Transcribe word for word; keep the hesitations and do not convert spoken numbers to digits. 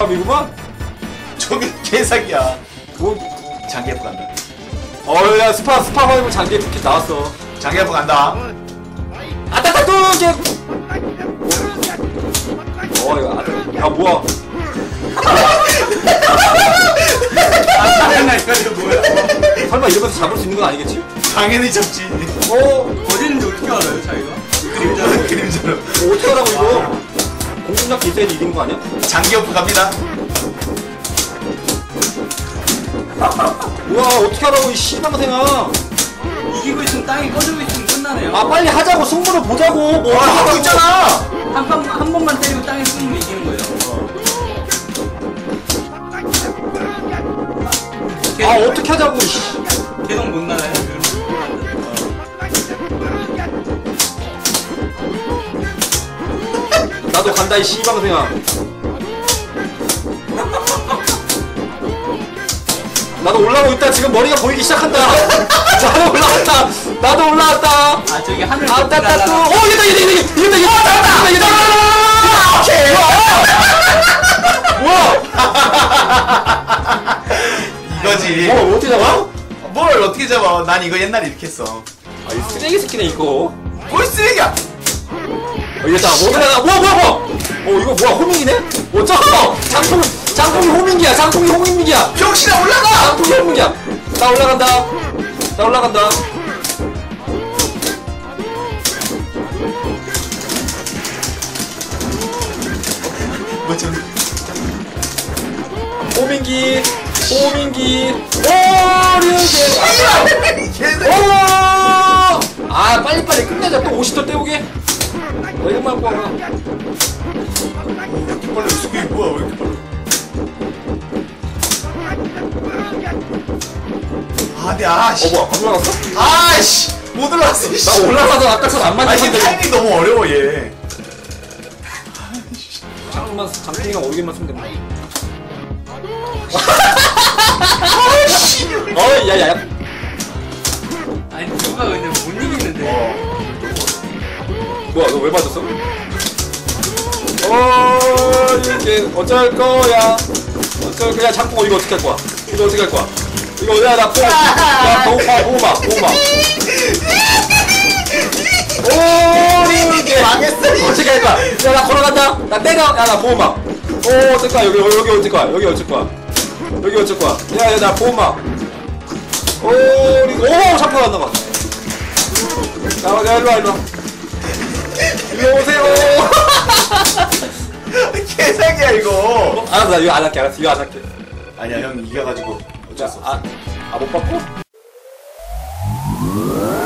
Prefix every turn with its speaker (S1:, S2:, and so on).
S1: 이구만?
S2: 저기 개사기야.
S1: 뭐?
S2: 장기예프 간다.
S1: 어우 야 스파 스파 화이브 장기 키 나왔어.
S2: 장기예프 간다.
S1: 아따따 또 이게. 어 이거 아따. 야 뭐야?
S2: 아 이거 뭐야?
S1: 설마 이러면서 잡을 수 있는 건 아니겠지?
S2: 당연히 접지.
S1: 어?
S3: 어디는지 어떻게 알아요 차이가?
S2: 그림자로 그림자로.
S1: 어, 어떻게 하라고 이거? 공중력 기세에 이긴 거 아니야?
S2: 장기예프 갑니다.
S1: 우와 어떻게 하라고 이 씨방생아.
S3: 이기고 있으면 땅이 꺼지고 있으면 끝나네요.
S1: 아 빨리 하자고 승부를 보자고. 뭐
S2: 아 하고 있잖아.
S3: 한, 번, 한 번만 때리고 땅에 쓰면 이기는 거예요.
S1: 아 어떻게 하자고. 씨.
S3: 계속 못 나가요.
S1: 나도 간다 이 씨방생아. 나도 올라오고 있다. 지금 머리가 보이기 시작한다. 나도 올라왔다. 나도 올라왔다.
S3: 아 저기 하늘
S1: 아 따따 또. 오 얘다 얘다 얘다 얘다 얘다 얘다 얘다. 뭐야?
S2: 이거지.
S1: 뭐 어떻게 잡아?
S2: 뭘 어떻게 잡아? 난 이거 옛날에 이렇게 했어.
S1: 아 이 쓰레기 새끼네 이거.
S2: 뭘 쓰레기야?
S1: 어 이거 다 뭐야 뭐야 뭐야 뭐야. 어 이거 뭐야 호밍이네? 어쩌? 장풍 장풍이 호밍이야. 장풍이 호밍이야.
S2: 병신아 올라가!
S1: 장풍이 호밍이야. 나 올라간다. 나 올라간다.
S2: 뭐 좀.
S1: 호밍기 호밍기 오류게.
S2: 개새끼.
S1: 오! 아 빨리빨리 끝내자. 또 오십 도 때우게. 왜 이렇게 빨리 와.
S2: 이렇게 빨리 속이 뭐야? 왜 이렇게 빨리? 아, 근데 아씨.
S1: 어 뭐야 안 올라갔어?
S2: 아씨. 못 올라왔어. 씨.
S1: 나 올라가서 아까처럼 안
S2: 아 이게
S1: 맞는데.
S2: 타이밍 너무 어려워 얘.
S1: 장풍만 장풍이가 오르기만 쓰면 된다. 어 야야야.
S3: 아니 누가 근데 못 이기는데.
S2: 어.
S1: 뭐야 너 왜 맞았어? 어 이게 어쩔 거야. 어쩔 거야. 장풍 이거 어떻게 할 거야? 이거 어떻게 할 거야? 이거 내가 나 뽕. 야 보호막 보호막 보호막. 오 이게
S2: 망했어.
S1: 어떻게 할 거야? 야 나 걸어간다. 나 때려. 야 나 보호막. 오 어쩔 거야? 여기 여기 어쩔 거야? 여기 어쩔 거야? 여기 어쩔 거야? 야야 나 보호막. 오 이거 오 장풍 안 나가. 야 야 일로 와 일로 와. 일로 오세요.
S2: 개사기야 이거.
S1: 알았어 나 이거 안 할게. 알았어 이거 안 할게.
S2: 아니야 형 이겨가지고 어쩔 수 없어.
S1: 아 아 못 받고?